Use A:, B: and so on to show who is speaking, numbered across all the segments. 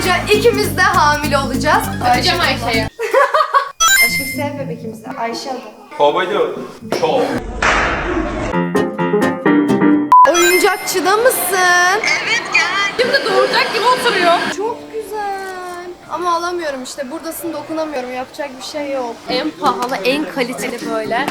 A: boyunca ikimiz de hamile olacağız.
B: Öpeceğim Ayşe'yi.
A: Aşkım sev bebekimizi. Ayşe adı.
C: Babacığım çok.
A: Oyuncakçıda mısın?
B: Evet gel. Şimdi doğuracak gibi oturuyor.
A: Çok güzel. Ama alamıyorum işte. Buradasın dokunamıyorum. Yapacak bir şey yok.
B: En pahalı, en kaliteli böyle.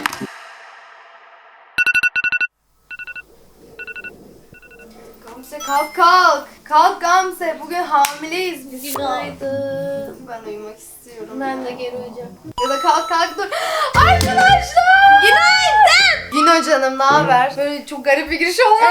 A: Gamze kalk kalk. Kalk Gamze. Bugün hamileyiz biz.
B: Günaydın.
A: Ben uyumak istiyorum.
B: Ben de geri uyuyacağım.
A: Ya da kalk kalk dur. Arkadaşlar. Günaydın. Güno canım ne haber? Böyle çok garip bir giriş olmadı.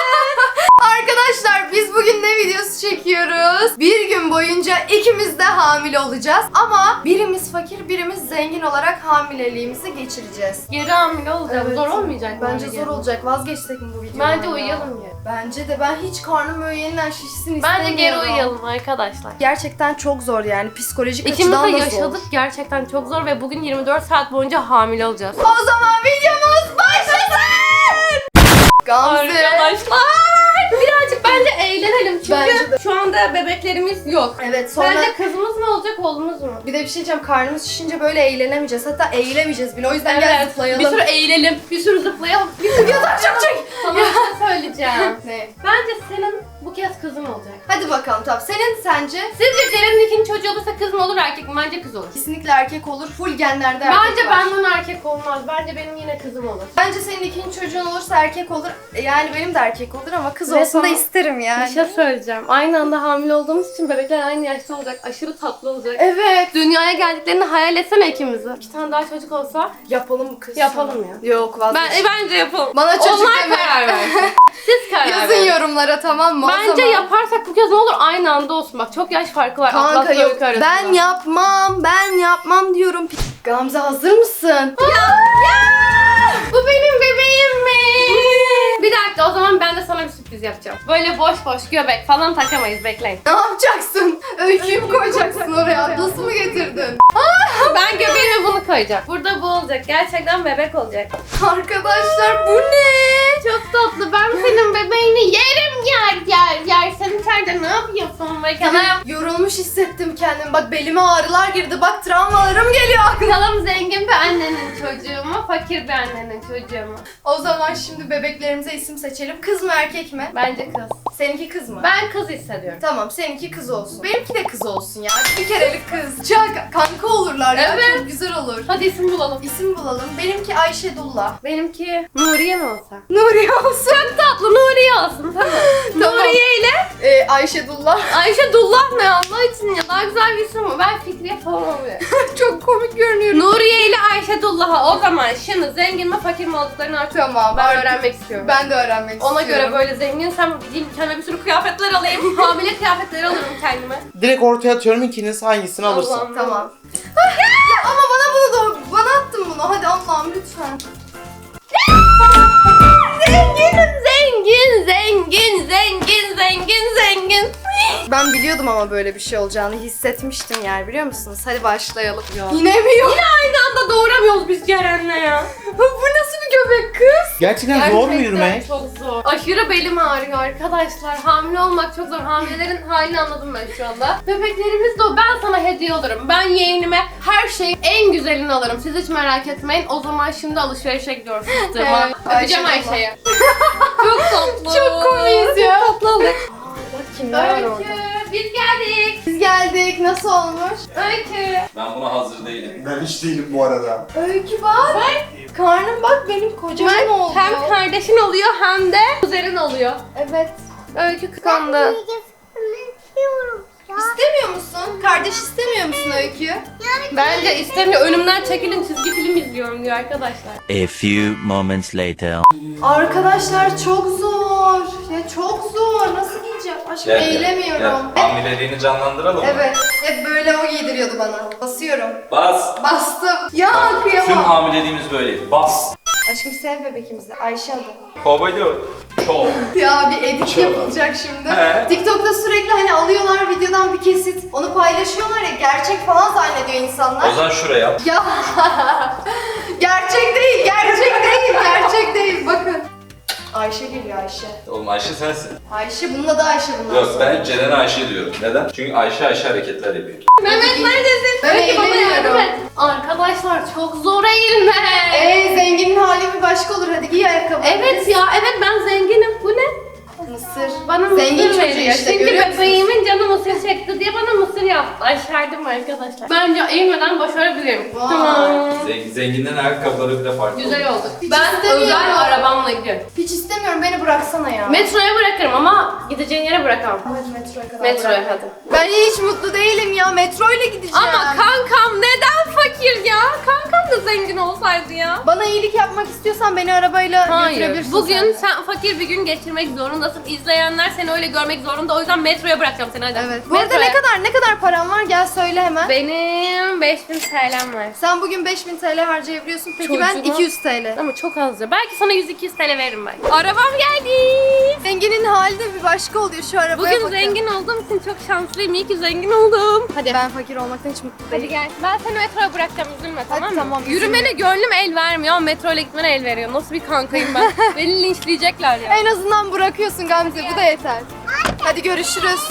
A: Arkadaşlar biz bugün ne videosu çekiyoruz? Bir gün boyunca ikimiz de hamile olacağız. Ama birimiz fakir birimiz zengin olarak hamileliğimizi geçireceğiz.
B: Geri hamile olacağım.
A: Evet.
B: Zor olmayacak mı?
A: Bence
B: öyle
A: zor
B: geri?
A: olacak. Vazgeçsek mi bu videodan?
B: Bence
A: ya?
B: uyuyalım ya.
A: Bence de ben hiç karnım böyle yeniden şişsin
B: Bence
A: istemiyorum.
B: geri uyuyalım arkadaşlar.
A: Gerçekten çok zor yani psikolojik
B: İkimiz de
A: açıdan da
B: yaşadık.
A: zor.
B: Gerçekten çok zor ve bugün 24 saat boyunca hamile olacağız.
A: O zaman videomuz başlasın. Gamze.
B: Arkadaşlar birazcık bence eğlenelim çünkü
A: Bence de.
B: şu anda bebeklerimiz yok.
A: Evet sonra
B: Bence kızımız mı olacak oğlumuz mu?
A: bir de bir şey diyeceğim, karnımız şişince böyle eğlenemeyeceğiz. Hatta eğilemeyeceğiz bile. O yüzden gel zıplayalım.
B: Bir sürü eğilelim, bir sürü zıplayalım.
A: yatak çabuk.
B: Sana bir şey söyleyeceğim.
A: Ne?
B: Bence senin bu kez kızın olacak.
A: Hadi bakalım tamam. Senin sence?
B: Sizce Ceren'in ikinci çocuğu olursa kız mı olur erkek mi? Bence kız olur.
A: Kesinlikle erkek olur. Full genlerde erkek
B: Bence
A: var.
B: benden erkek olmaz. Bence benim yine kızım olur.
A: Bence senin ikinci çocuğun olursa erkek olur. Yani benim de erkek olur ama kız
B: Ve
A: olsun da
B: sana
A: isterim yani.
B: Bir şey söyleyeceğim. Aynı anda hamile olduğumuz için bebekler aynı yaşta olacak. Aşırı tatlı olacak.
A: Evet.
B: Dünyaya geldiklerini hayal etsene ikimizi. 2 tane daha çocuk olsa
A: Yapalım kız.
B: yapalım ya.
A: Yok vazgeç.
B: Bence yapalım.
A: Bana çocuk
B: Onlar
A: deme.
B: karar versin. Siz karar
A: Yazın
B: verin.
A: yorumlara tamam mı? O
B: Bence
A: zaman.
B: yaparsak bu kez ne olur aynı anda olsun. Bak çok yaş farkı var.
A: Kanka
B: Atlas'la
A: yok
B: Öykü arasında.
A: ben yapmam diyorum. Gamze hazır mısın?
B: Bu benim bebeğim mi? Bir dakika o zaman ben de sana bir sürpriz yapacağım. Böyle boş boş göbek falan takamayız bekleyin.
A: Ne yapacaksın? Öyküyü mü koyacaksın oraya? Atlası mı getirdin?
B: Ben göbeğime bunu koyacağım. Burada bu olacak. Gerçekten bebek olacak.
A: Arkadaşlar bu ne?
B: Çok tatlı. Ben senin bebeğini yerim yer. Sen içeride ne yapıyorsun bakalım?
A: Yorulmuş hissettim kendimi. Bak belime ağrılar girdi. Bak travmalarım geliyor aklıma.
B: Bakalım zengin bir annenin çocuğu mu, fakir bir annenin çocuğu mu?
A: O zaman şimdi bebeklerimize isim seçelim. Kız mı erkek mi?
B: Bence kız.
A: Seninki kız mı?
B: Ben kız hissediyorum.
A: Tamam seninki kız olsun. Benimki de kız olsun ya. Bir kerelik kız. Kanka olurlar ya.
B: Evet.
A: Çok güzel olur.
B: Hadi isim bulalım.
A: İsim bulalım. Benimki Ayşedullah.
B: Benimki Nuriye mi olsa?
A: Nuriye olsun.
B: Çok tatlı Nuriye olsun tamam.
A: Tamam.
B: Nuriye ile
A: Ayşedullah.
B: Ayşe Dullah ne Allah için ya daha güzel bir isim mi? Ben Fikriye falan oluyor.
A: Çok komik görünüyor.
B: Nuriye ile Ayşe Dullah'a o zaman şimdi zengin mi fakir mi olduklarını artık
A: Tamam.
B: ben
A: artık
B: öğrenmek istiyorum.
A: Ben de öğrenmek
B: Ona
A: istiyorum.
B: göre böyle zenginsem gideyim kendime bir sürü kıyafetler alayım. Hamile kıyafetleri alırım kendime.
D: Direkt ortaya atıyorum ikiniz hangisini alırsın.
B: Allah'ım.
A: Tamam. Ya ama bana bunu da bana attın bunu. Hadi Allah'ım lütfen.
B: Zengin.
A: Ben biliyordum ama böyle bir şey olacağını hissetmiştim yani biliyor musunuz? Hadi başlayalım.
B: Yok.
A: Yine mi yok?
B: Aynı anda doğuramıyoruz biz Ceren'le ya.
A: Bu nasıl bir göbek kız?
D: Gerçekten zor mu yürümek?
B: Çok zor. Aşırı belim ağrıyor arkadaşlar. Hamile olmak çok zor. Hamilelerin halini anladım ben şu anda. Bebeklerimiz de o. Ben sana hediye alırım. Ben yeğenime her şeyin en güzelini alırım. Siz hiç merak etmeyin. O zaman şimdi alışverişe gidiyoruz fıstığıma.
A: Evet,
B: Öpeceğim
A: Ayşe
B: Ayşe'yi. Çok tatlı.
A: Çok komiyiz ya.
B: Çok tatlı olduk.
A: Bak kimler var orada.
B: Öykü biz geldik.
A: Biz geldik. Nasıl olmuş?
B: Öykü.
C: Ben buna hazır değilim.
D: Ben hiç değilim bu arada.
A: Öykü bak. Karnım bak benim kocaman oldu.
B: Hem kardeşin oluyor hem de kuzenin oluyor.
A: Evet.
B: Öykü kıskandı.
A: İstemiyor musun? Kardeş istemiyor musun Öykü?
B: Bence istemiyor. Önümden çekilin çizgi film izliyorum diyor arkadaşlar.
E: A few moments later.
A: Arkadaşlar çok zor. Ya çok zor. Nasıl giyeceğim? Aşkım eğilemiyorum.
C: Hamileliğini canlandıralım mı?
A: Evet. Hep böyle o giydiriyordu bana. Basıyorum.
C: Bas.
A: Bastım. Ya
C: Tüm
A: kıyamam.
C: hamileliğimiz böyle. Bas.
A: Aşkım sev bebekimizi. Ayşe adı.
C: Babacığım çok.
A: Ya bir edit
C: Çok.
A: yapılacak şimdi.
C: He.
A: TikTok'ta sürekli hani alıyorlar videodan bir kesit. Onu paylaşıyorlar ya, gerçek falan zannediyor insanlar.
C: O zaman şuraya yap.
A: Ya gerçek değil, gerçek değil, gerçek değil. Bakın. Ayşe geliyor Ayşe.
C: Oğlum Ayşe sensin.
A: Ayşe bununla da Ayşe bundan
C: Yok
A: sonra.
C: ben Ceren'e Ayşe diyorum. Neden? Çünkü Ayşe hareketler yapıyor.
B: Mehmet neredesin?
A: Ben
B: Peki bana yardım
A: eğleniyorum.
B: et. Arkadaşlar çok zor eğilme.
A: Zenginin hali bir başka olur. Hadi giy ayakkabı.
B: Evet ya, evet ben zenginim. Bu ne?
A: Mısır.
B: Bana
A: Zengin
B: mısır
A: çocuğu
B: veriyor.
A: işte,
B: Çünkü
A: görüyor musunuz?
B: bebeğimin canı mısır çekti diye bana mısır yaptı. Aşerdim arkadaşlar. Bence eğilmeden başarabilirim.
A: Vay.
B: Tamam.
C: Zenginden ayakkabıları bile farklı.
B: Güzel oldu.
A: Hiç
B: Ben
A: istemiyorum.
B: özel arabamla gidiyorum.
A: Hiç istemiyorum, beni bıraksana ya.
B: Metroya bırakırım ama gideceğin yere bırakamam.
A: Evet, metroya kadar.
B: Metroya hadi.
A: Ben hiç mutlu değilim ya. Metro ile gideceğim.
B: Ama kankam neden fakir ya? Kankam da zengin olsaydı ya.
A: Bana iyilik yapmak istiyorsan beni arabayla
B: Hayır.
A: götürebilirsin.
B: Bugün
A: sen.
B: sen fakir bir gün geçirmek zorundasın. İzleyenler seni öyle görmek zorunda. O yüzden metroya bırakacağım seni hadi.
A: Evet. Bu arada ne kadar param var? Gel söyle hemen.
B: Benim 5000 TL'm var.
A: Sen bugün 5000 TL harcayabiliyorsun. Peki ben
B: Çocuğuma-
A: 200 TL.
B: Ama çok az ya. Belki sana 100-200 TL veririm ben. Arabam geldi.
A: Zenginin hali de bir başka oluyor şu arabaya
B: Bugün
A: bakın.
B: zengin olduğum için çok şanslıyım. İyi ki zengin oldum. Hadi.
A: Ben fakir olmaktan hiç mutlu
B: Hadi
A: değilim.
B: gel. Ben seni metroya bırakacağım. Üzülme tamam mı?
A: tamam,
B: Yürümene gönlüm el vermiyor ama metro ile gitmene el veriyor. Nasıl bir kankayım ben. Beni linçleyecekler ya.
A: En azından bırakıyorsun Gamze. Bu da yeter. Hadi görüşürüz.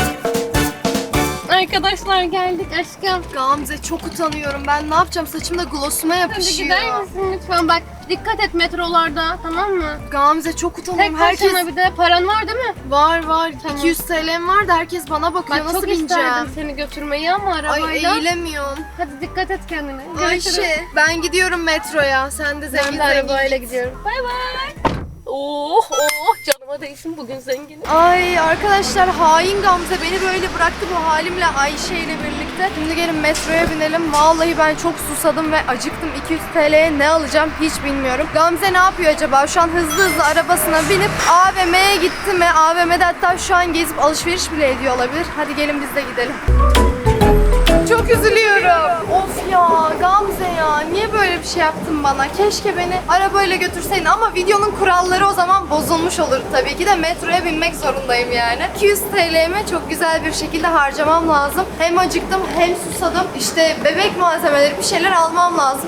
B: Arkadaşlar geldik aşkım.
A: Gamze çok utanıyorum. Ben ne yapacağım? Saçımda glossuma
B: Hadi
A: yapışıyor.
B: gider misin lütfen? Bak dikkat et metrolarda tamam mı?
A: Gamze çok
B: Tek
A: utanıyorum.
B: başına bir de paran var değil mi?
A: Var.
B: Tamam.
A: 200 TL'm var da herkes bana bakıyor.
B: Bak
A: Nasıl
B: çok
A: bineceğim?
B: isterdim seni götürmeyi ama
A: Ay
B: arabayla.
A: eğilemiyorum.
B: Hadi dikkat et kendine. Görüşürüz.
A: Ayşe ben gidiyorum metroya. Sen de
B: Ben
A: zengin
B: de arabayla
A: git.
B: gidiyorum. Bay bay. Oh canıma değsin bugün zenginim.
A: Ay arkadaşlar hain Gamze beni böyle bıraktı bu halimle Ayşe ile birlikte. Şimdi gelin metroya binelim. Vallahi ben çok susadım ve acıktım. 200 TL'ye ne alacağım hiç bilmiyorum. Gamze ne yapıyor acaba? Şu an hızlı arabasına binip AVM'ye gitti mi? AVM'de hatta şu an gezip alışveriş bile ediyor olabilir. Hadi gelin biz de gidelim. Çok üzülüyorum. Of ya Gamze ya niye böyle bir şey yaptın bana? Keşke beni arabayla götürseydin ama videonun kuralları o zaman bozulmuş olur tabii ki de metroya binmek zorundayım yani. 200 TL'mi çok güzel bir şekilde harcamam lazım. Hem acıktım hem susadım. İşte bebek malzemeleri bir şeyler almam lazım.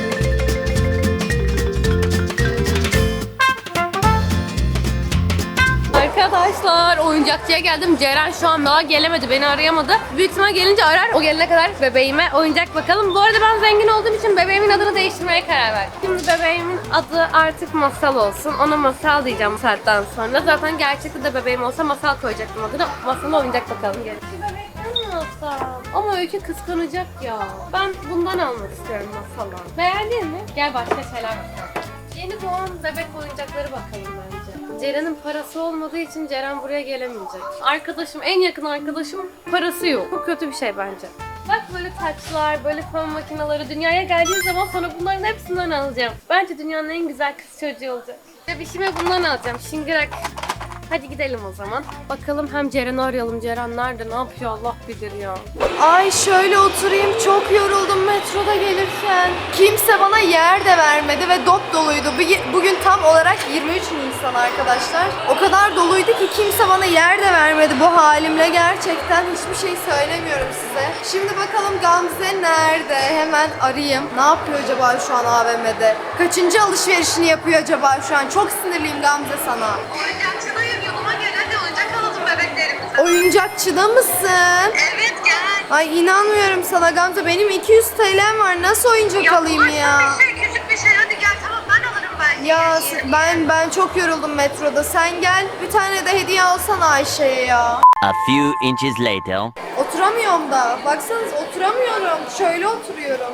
B: Arkadaşlar oyuncakçıya geldim. Ceren şu an daha gelemedi. Beni arayamadı. Büyük ihtimal gelince arar. O gelene kadar bebeğime oyuncak bakalım. Bu arada ben zengin olduğum için bebeğimin adını değiştirmeye karar verdim. Şimdi bebeğimin adı artık Masal olsun. Ona Masal diyeceğim bu saatten sonra. Zaten gerçekte de bebeğim olsa Masal koyacaktım adını. Masal'a oyuncak bakalım gelin. Şu bebekten mi alsam? Ama Öykü kıskanacak ya. Ben bundan almak istiyorum Masal'a. Beğendin mi? Gel başka şeyler bakalım. Yeni doğan bebek oyuncakları bakalım bence. Ceren'in parası olmadığı için Ceren buraya gelemeyecek. Arkadaşım, en yakın arkadaşım parası yok. Bu kötü bir şey bence. Bak böyle taçlar, böyle fön makineleri dünyaya geldiği zaman sonra bunların hepsinden alacağım. Bence dünyanın en güzel kız çocuğu olacak. Bebişime bundan alacağım. Şıngırak. Hadi gidelim o zaman. Bakalım hem Ceren'i arayalım. Ceren nerede? Ne yapıyor? Allah bilir ya.
A: Ay şöyle oturayım çok yoruldum metroda gelirken. Kimse bana yer de vermedi ve dop doluydu. Bugün tam olarak 23 Nisan arkadaşlar. O kadar doluydu ki kimse bana yer de vermedi bu halimle. Gerçekten hiçbir şey söylemiyorum size. Şimdi bakalım Gamze nerede? Hemen arayayım. Ne yapıyor acaba şu an AVM'de? Kaçıncı alışverişini yapıyor acaba şu an? Çok sinirliyim Gamze sana.
F: Oyuncakçıdayım, yoluma gel hadi oyuncak alalım bebeklerimize.
A: Oyuncakçıda mısın?
F: Evet gel.
A: Ay inanmıyorum sana Gamze. Benim 200 TL'm var. Nasıl oyuncak alayım ya?
F: Bir şey, küçük bir şey hadi gel tamam ben alırım ben.
A: Ya ben çok yoruldum metroda. Sen gel bir tane de hediye alsana Ayşe'ye ya.
E: A few inches later.
A: Oturamıyorum da. Baksanız oturamıyorum. Şöyle oturuyorum.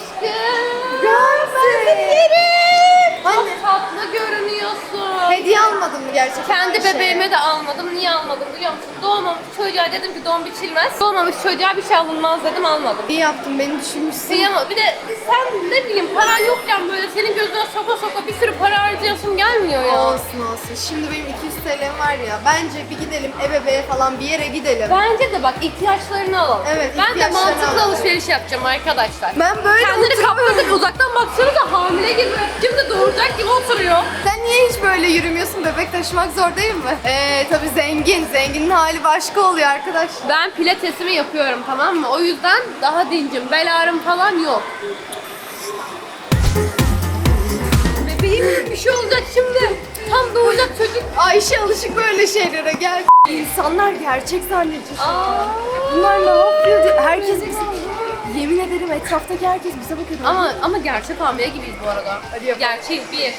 B: Aşkım.
A: Gamze. Anne
B: Çok tatlı görünüyorsun.
A: hediye almadın mı gerçekten
B: Kendi
A: Ayşe'ye?
B: bebeğime de almadım. Niye almadım biliyor musun? Doğmamış çocuğa dedim ki don biçilmez. Doğmamış çocuğa bir şey alınmaz dedim almadım.
A: İyi yaptın beni düşünmüşsün.
B: Kıyamam. Bir de sen ne bileyim paran yokken böyle senin gözüne soka soka bir sürü para harcayasın gelmiyor ya.
A: Olsun. Şimdi benim 200 TL'm var ya. Bence bir gidelim ebeveğe falan bir yere gidelim.
B: Bence de bak ihtiyaçlarını alalım.
A: Evet,
B: Ben de
A: ihtiyaçlarını
B: mantıklı
A: alalım.
B: alışveriş yapacağım arkadaşlar.
A: Ben böyle
B: Kendini
A: oturuyorum.
B: kapladık uzaktan baksanıza hamile gibi. Şimdi doğuracak gibi oturuyor.
A: Sen niye hiç böyle yürümüyorsun? Bebek taşımak zor değil mi? Tabii zengin. Zenginin hali başka oluyor arkadaş.
B: Ben pilatesimi yapıyorum tamam mı? O yüzden daha dincim. Bel ağrım falan yok. Bebeğim bir şey olacak şimdi. Tam doğacak çocuk.
A: Ayşe alışık böyle şeylere gel. İnsanlar gerçek zannedecek.
B: Aa.
A: Bunlar ne yapıyor diye. Herkes bize... Yemin ederim etraftaki herkes bize bakıyor.
B: Ama gerçek hamile gibiyiz bu arada.
A: Hadi yapalım.
B: Gerçeğiz bir.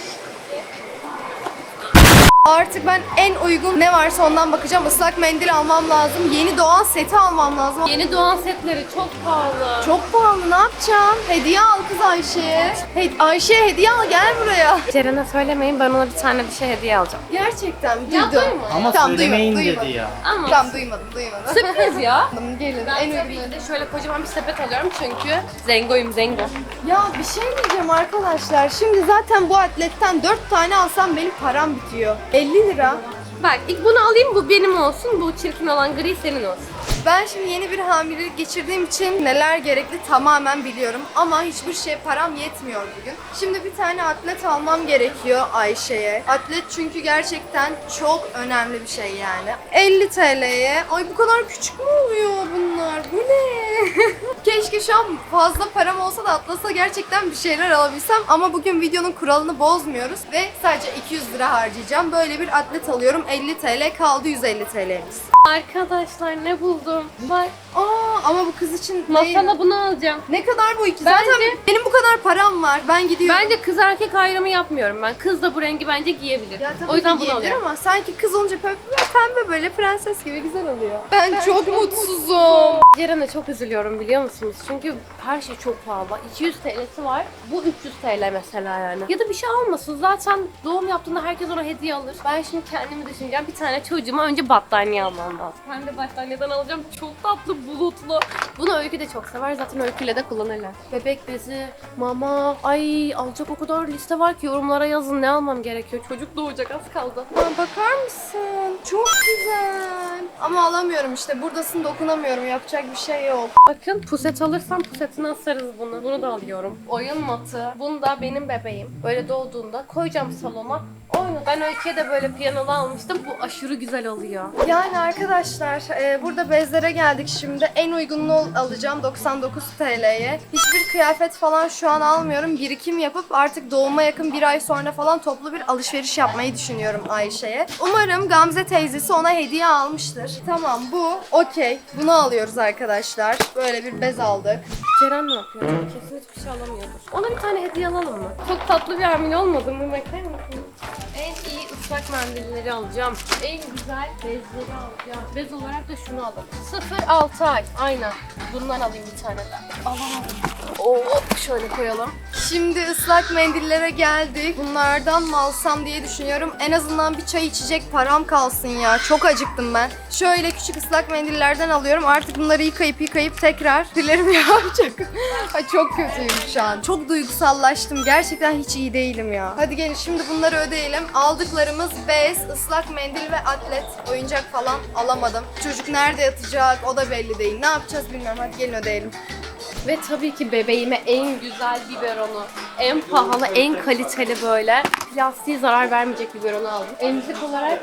A: Artık ben en uygun ne varsa ondan bakacağım. Islak mendil almam lazım. Yeni doğan seti almam lazım.
B: Yeni doğan setleri çok pahalı.
A: Çok pahalı, ne yapacağım? Hediye al kız Ayşe'ye. Ayşe'ye hediye al, gel buraya.
B: Ceren'e söylemeyin, ben ona bir tane bir şey hediye alacağım.
A: Gerçekten mi?
B: Ya
A: Duydum.
B: duyma.
D: Ama
A: Tamam,
D: söylemeyin
A: duymadım.
D: dedi ya.
B: Ama
A: Tamam duymadım.
B: sürpriz ya.
A: Gelin
B: Ben
A: en
B: tabii
A: uygun.
B: ki de şöyle kocaman bir sepet alıyorum çünkü zengoyum zengo.
A: Ya bir şey diyeceğim arkadaşlar. Şimdi zaten bu atletten 4 tane alsam benim param bitiyor. 50 lira.
B: Bak ilk bunu alayım, bu benim olsun, bu çirkin olan gri senin olsun.
A: Ben şimdi yeni bir hamilelik geçirdiğim için neler gerekli tamamen biliyorum. Ama hiçbir şey param yetmiyor bugün. Şimdi bir tane atlet almam gerekiyor Ayşe'ye. Atlet çünkü gerçekten çok önemli bir şey yani. 50 TL'ye. Ay bu kadar küçük mü oluyor bunlar? Bu ne? Keşke şu an fazla param olsa da Atlas'a gerçekten bir şeyler alabilsem. Ama bugün videonun kuralını bozmuyoruz. Ve sadece 200 lira harcayacağım. Böyle bir atlet alıyorum. 50 TL kaldı, 150 TL'miz.
B: Arkadaşlar ne buldum? Bak
A: Ama bu kız için değil.
B: masala bunu alacağım.
A: Ne kadar bu iki?
B: Bence-
A: Zaten benim bu kadar param var. Ben gidiyorum.
B: Bence kız erkek ayrımı yapmıyorum ben. Kız da bu rengi bence giyebilir.
A: Ya tabii
B: O yüzden
A: ki
B: bunu
A: giyebilir
B: alıyorum.
A: ama sanki kız olunca pembe böyle prenses gibi güzel oluyor. Ben çok mutsuzum.
B: Ceren'e çok üzülüyorum biliyor musunuz? Çünkü her şey çok pahalı. 200 TL'si var. Bu 300 TL mesela yani. Ya da bir şey almasın. Zaten doğum yaptığında herkes ona hediye alır. Ben şimdi kendimi düşüneceğim. Bir tane çocuğuma önce battaniye almam lazım. Ben de battaniyeden alacağım. Çok tatlı, bulutlu. Bunu Öykü de çok sever. Zaten Öykü'yle de kullanırlar. Bebek bezi, mama. Ay alacak o kadar liste var ki yorumlara yazın ne almam gerekiyor. Çocuk doğacak, az kaldı.
A: Bakar mısın? Çok güzel. Ama alamıyorum işte. Buradasın, dokunamıyorum. Yapacak bir şey yok.
B: Bakın puset alırsam pusetine asarız bunu. Bunu da alıyorum. Oyun matı. Bunu da benim bebeğim. Böyle doğduğunda koyacağım salona. Oynat. Ben Öykü'ye de böyle piyanolu almıştım. Bu aşırı güzel oluyor.
A: Yani arkadaşlar burada bezlere geldik şimdi. En uygununu alacağım 99 TL'ye. Hiçbir kıyafet falan şu an almıyorum. Birikim yapıp artık doğuma yakın bir ay sonra falan toplu bir alışveriş yapmayı düşünüyorum Ayşe'ye. Umarım Gamze teyzesi ona hediye almıştır. Tamam bu okey. Bunu alıyoruz arkadaşlar. Böyle bir bez aldık.
B: Ceren ne yapıyor? Kesin hiçbir şey alamıyordur. Ona bir tane hediye alalım mı? Çok tatlı bir hamile olmadı mı? Bakar mısın? En iyi ıslak mendilleri alacağım. En güzel bezleri alacağım. Bez olarak da şunu alalım. 0-6 ay. Aynen. Bundan alayım bir tane de. Alamadım. Oo, şöyle koyalım.
A: Şimdi ıslak mendillere geldik. Bunlardan mı alsam diye düşünüyorum. En azından bir çay içecek param kalsın ya. Çok acıktım ben. Şöyle küçük ıslak mendillerden alıyorum. Artık bunları yıkayıp tekrar dillerimi yapacak. Ay çok kötüyüm şu an. Çok duygusallaştım. Gerçekten hiç iyi değilim ya. Hadi gelin şimdi bunları ödeyelim. Aldıklarımız bez, ıslak mendil ve atlet. Oyuncak falan alamadım. Çocuk nerede yatacak o da belli değil. Ne yapacağız bilmiyorum. Hadi gelin ödeyelim.
B: Ve tabii ki bebeğime en güzel biberonu, en pahalı, en kaliteli böyle plastiğe zarar vermeyecek biberonu aldım. Emzik olarak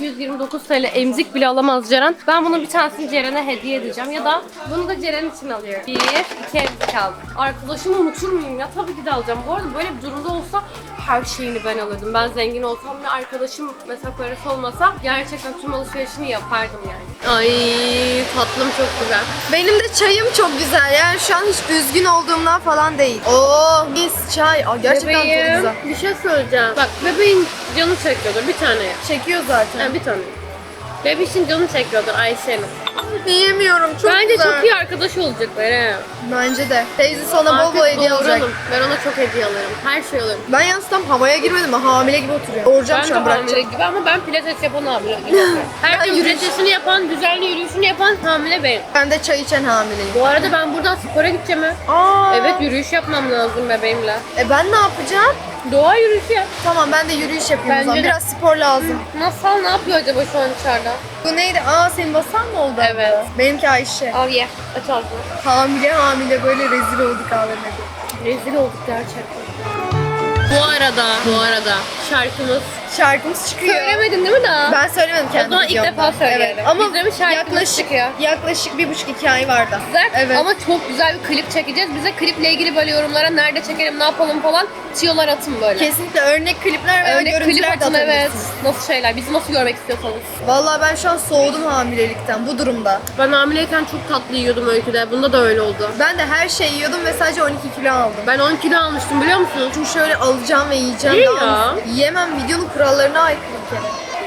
B: 229 TL emzik bile alamaz Ceren. Ben bunun bir tanesini Ceren'e hediye edeceğim ya da bunu da Ceren için alıyorum. 1, 2 emzik aldım. Arkadaşımı unutur muyum ya? Tabii ki de alacağım. Bu arada böyle bir durumda olsa her şeyini ben alırdım. Ben zengin olsam ve arkadaşım mesela parası olmasa gerçekten tüm alışverişini yapardım yani. Ay tatlım çok güzel.
A: Benim de çayım çok güzel. Yani şu an hiç üzgün olduğumdan falan değil. Oo, mis çay. Aa, gerçekten çok güzel.
B: Bir şey söyleyeceğim. Bak bebeğin canı çekiyordur bir tane ye.
A: Çekiyor zaten.
B: Ha, bir tane. Bebeğin canı çekiyordur Ayşe'nin.
A: Yiyemiyorum. Çok
B: Bence
A: güzel.
B: çok iyi arkadaş olacaklar he.
A: Bence de. Teyzesi ona bol
B: Artık
A: bol hediye alacak.
B: doğuralım. Ben ona çok hediye alırım. Her şey alırım.
A: Ben yalnız tam havaya girmedim ama hamile gibi oturuyor. Doğuracağım
B: Ben
A: şu
B: de
A: an
B: hamile
A: bırakacağım.
B: gibi ama ben pilates yapan hamile gibi. Her
A: Ben
B: gün
A: yürüyüş-
B: pilatesini yapan, düzenli yürüyüşünü yapan hamile benim.
A: Ben de çay içen hamileyim.
B: Bu arada ben buradan spora gideceğim ha.
A: Aa.
B: Evet yürüyüş yapmam lazım bebeğimle.
A: Ben ne yapacağım?
B: Doğa yürüyüşü yap.
A: Tamam ben de yürüyüş yapayım o
B: Bence
A: zaman.
B: de.
A: Biraz spor lazım.
B: Masal ne yapıyor acaba şu an içeride?
A: Bu neydi? Aa senin basan mı oldu?
B: Evet.
A: Benimki Ayşe.
B: Al ye. Aç ağzını.
A: Hamile böyle rezil olduk AVM'de.
B: Rezil olduk gerçekten. Bu arada şarkımız
A: şarkımız çıkıyor.
B: Söylemedin değil mi daha?
A: Ben söylemedim
B: O
A: kendi
B: zaman ilk
A: videomda.
B: defa söyleyelim.
A: Evet. Ama
B: Bizde bir şarkımız çıkıyor.
A: yaklaşık 1,5-2 ay vardı.
B: Güzel.
A: Evet.
B: Ama çok güzel bir klip çekeceğiz. Bize kliple ilgili böyle yorumlara nerede çekelim, ne yapalım falan tiyolar atın böyle.
A: Kesinlikle örnek klipler veya
B: Örnek klip
A: görüntüler de
B: atın, evet.
A: atabilirsiniz.
B: Nasıl şeyler, bizi nasıl görmek istiyorsanız.
A: Vallahi ben şu an soğudum hamilelikten bu durumda.
B: Ben hamileyken çok tatlı yiyordum Öykü'de. Bunda da öyle oldu.
A: Ben de her şeyi yiyordum ve sadece 12 kilo aldım.
B: Ben 10 kilo almıştım biliyor musunuz?
A: Çünkü şöyle alacağım ve yiyeceğim.
B: İyi
A: daha
B: ya.
A: yiyemem, videonun kurallarına aykırı bir kere.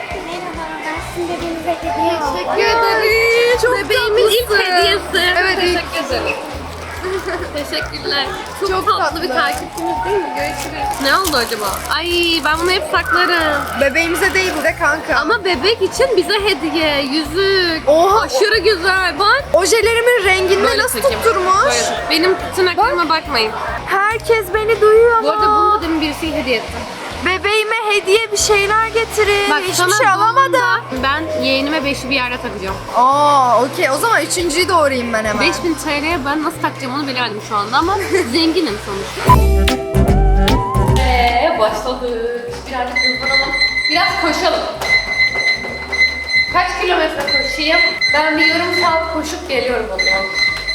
B: Teşekkür ederim. Çok bebeğimin ilk
A: tatlısın.
B: hediyesi.
A: Evet, ilk.
B: Teşekkür ederim. Teşekkürler. Çok,
A: Çok
B: tatlı bir
A: tatlı.
B: takipçimiz değil mi? Görüşürüz. Ne oldu acaba? Ay ben bunu hep saklarım.
A: Bebeğimize değil bir de kanka.
B: Ama bebek için bize hediye, yüzük.
A: Oha,
B: Aşırı güzel. Bak.
A: ojelerimin rengini
B: Böyle
A: nasıl
B: takayım.
A: tutturmuş?
B: Böyle tut. Benim tırnaklarıma bakmayın.
A: Herkes beni duyuyor
B: Bu arada
A: ama.
B: bunu demin birisi hediye etti.
A: Bebeğime hediye bir şeyler getirin.
B: Bak
A: Hiçbir
B: sana
A: şey alamadım.
B: doğumda ben yeğenime 5'i bir yerde takacağım.
A: Aa, okey. O zaman üçüncüyü doğrayayım ben hemen.
B: 5000 TL'ye ben nasıl takacağım onu bilemedim şu anda ama zenginim sonuçta. Başladık. Birazcık hızlanalım. Biraz koşalım. Kaç kilometre koşayım? Ben bir yarım saat koşup geliyorum o zaman.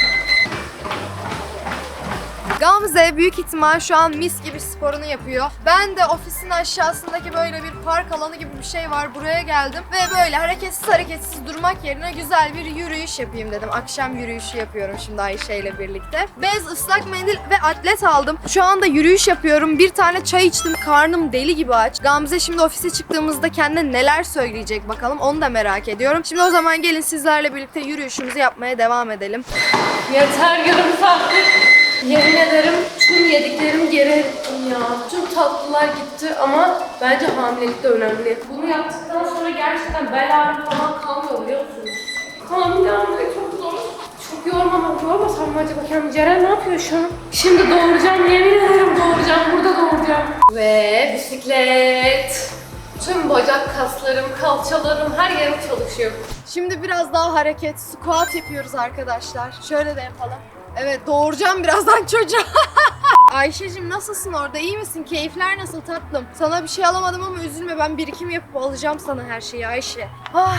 A: Gamze büyük ihtimal şu an mis gibi sporunu yapıyor. Ben de ofisin aşağısındaki böyle bir park alanı gibi bir şey var. Buraya geldim ve böyle hareketsiz durmak yerine güzel bir yürüyüş yapayım dedim. Akşam yürüyüşü yapıyorum şimdi Ayşe ile birlikte. Bez, ıslak mendil ve atlet aldım. Şu anda yürüyüş yapıyorum. Bir tane çay içtim. Karnım deli gibi aç. Gamze şimdi ofise çıktığımızda kendine neler söyleyecek bakalım. Onu da merak ediyorum. Şimdi o zaman gelin sizlerle birlikte yürüyüşümüzü yapmaya devam edelim.
B: Yeter yarım saattir. Yemin ederim tüm yediklerim geri ettim ya. Tüm tatlılar gitti ama bence hamilelik de önemli. Bunu yaptıktan sonra gerçekten bel ağrım falan kalmıyor biliyor musunuz? Hamile olmak çok zor. Çok yormasam mı acaba kendimi? Ceren ne yapıyor şu an? Şimdi doğuracağım, yemin ederim doğuracağım. Burada doğuracağım. Ve bisiklet. Tüm bacak kaslarım, kalçalarım, her yerim çalışıyor.
A: Şimdi biraz daha hareket, squat yapıyoruz arkadaşlar. Şöyle de yapalım. Evet, doğuracağım birazdan çocuğa. Ayşe'cim nasılsın orada? İyi misin? Keyifler nasıl tatlım? Sana bir şey alamadım ama üzülme, ben birikim yapıp alacağım sana her şeyi Ayşe. Ay.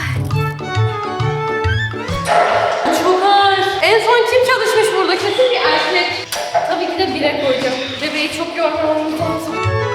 B: Çok ağır. En son kim çalışmış burada? Kesin bir erkek. Tabii ki de 1'e koyacağım. Bebeği çok yormamam lazım.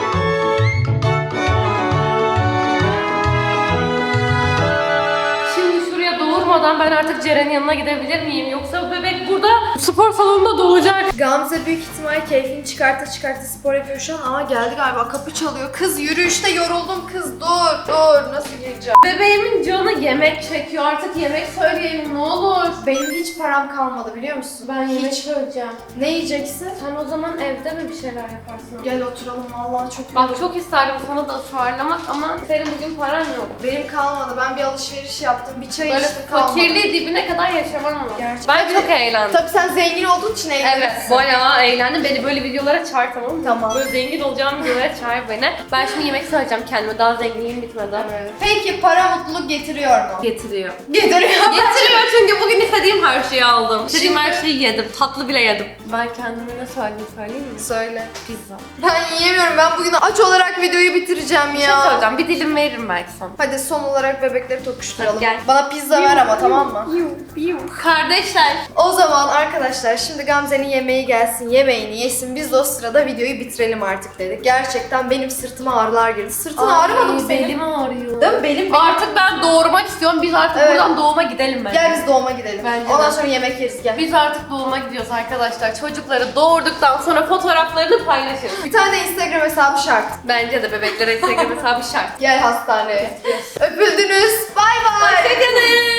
B: Şimdi şuraya doğurmadan ben artık Ceren'in yanına gidebilir miyim? Yoksa bebek burada spor salonunda doğacak.
A: Gamze büyük ihtimal keyfini çıkarta spor yapıyor şu an. Aa, geldi galiba, kapı çalıyor. Kız yürüyüşte yoruldum kız, dur. Nasıl gireceğim?
B: Bebeğimin canı yemek çekiyor. Artık yemek söyleyelim ne olur.
A: Benim hiç param kalmadı biliyor musun?
B: Ben yemek
A: hiç.
B: söyleyeceğim.
A: Ne yiyeceksin?
B: Sen o zaman evde mi bir şeyler yaparsın?
A: Gel oturalım, vallahi çok
B: Bak
A: yoruldum.
B: çok isterdim sana da ısmarlamak ama senin bugün paran yok.
A: Benim kalmadı. Ben bir alışveriş yaptım. Bir çay
B: Böyle
A: içtim, kalmadı.
B: fakirliği dibine kadar yaşamam ama.
A: Gerçekten.
B: Ben çok eğlendim.
A: Tabii sen zengin olduğun için eğlenirsin.
B: Evet, bayağı eğlendim. Beni böyle videolara çağır, tamam mı?
A: Tamam.
B: Böyle zengin olacağım videolara çağır beni. Ben şimdi yemek söyleyeceğim kendime. Daha zenginliğim bitmedi.
A: Evet. Peki para mutluluk getiriyor mu?
B: Getiriyor.
A: Getiriyor.
B: Getiriyor çünkü bugün istediğim her şeyi aldım. İstediğim
A: Şimdi-
B: her şeyi yedim. Tatlı bile yedim. Ben kendime ne söyleyeyim mi?
A: Söyle.
B: Pizza.
A: Ben yiyemiyorum. Ben bugün aç olarak videoyu bitireceğim
B: Bir şey
A: ya.
B: söyleyeceğim. Bir dilim veririm belki sana.
A: Hadi son olarak bebekleri tokuşturalım.
B: Hadi gel.
A: Bana pizza ver ama, tamam mı?
B: Kardeşler.
A: O zaman arkadaşlar şimdi Gamze'nin yemeği gelsin, yemeğini yesin. Biz de o sırada videoyu bitirelim artık dedik. Gerçekten benim sırtıma ağrılar girdi. Sırtın ağrımadı mı senin?
B: Belim ağrıyor.
A: Değil mi? Belim.
B: Artık ben doğurmak istiyorum. Biz artık
A: Evet.
B: buradan doğuma gidelim bence.
A: Gel biz doğuma gidelim.
B: Bence
A: Ondan
B: de.
A: sonra yemek yeriz, gel.
B: Biz artık doğuma gidiyoruz arkadaşlar. Çocukları doğurduktan sonra fotoğraflarını paylaşırız.
A: Bir tane de Instagram hesabı şart.
B: Bence de bebeklere Instagram hesabı şart.
A: Gel hastaneye. Öpüldünüz. Bay bay.
B: Hoşçakalın.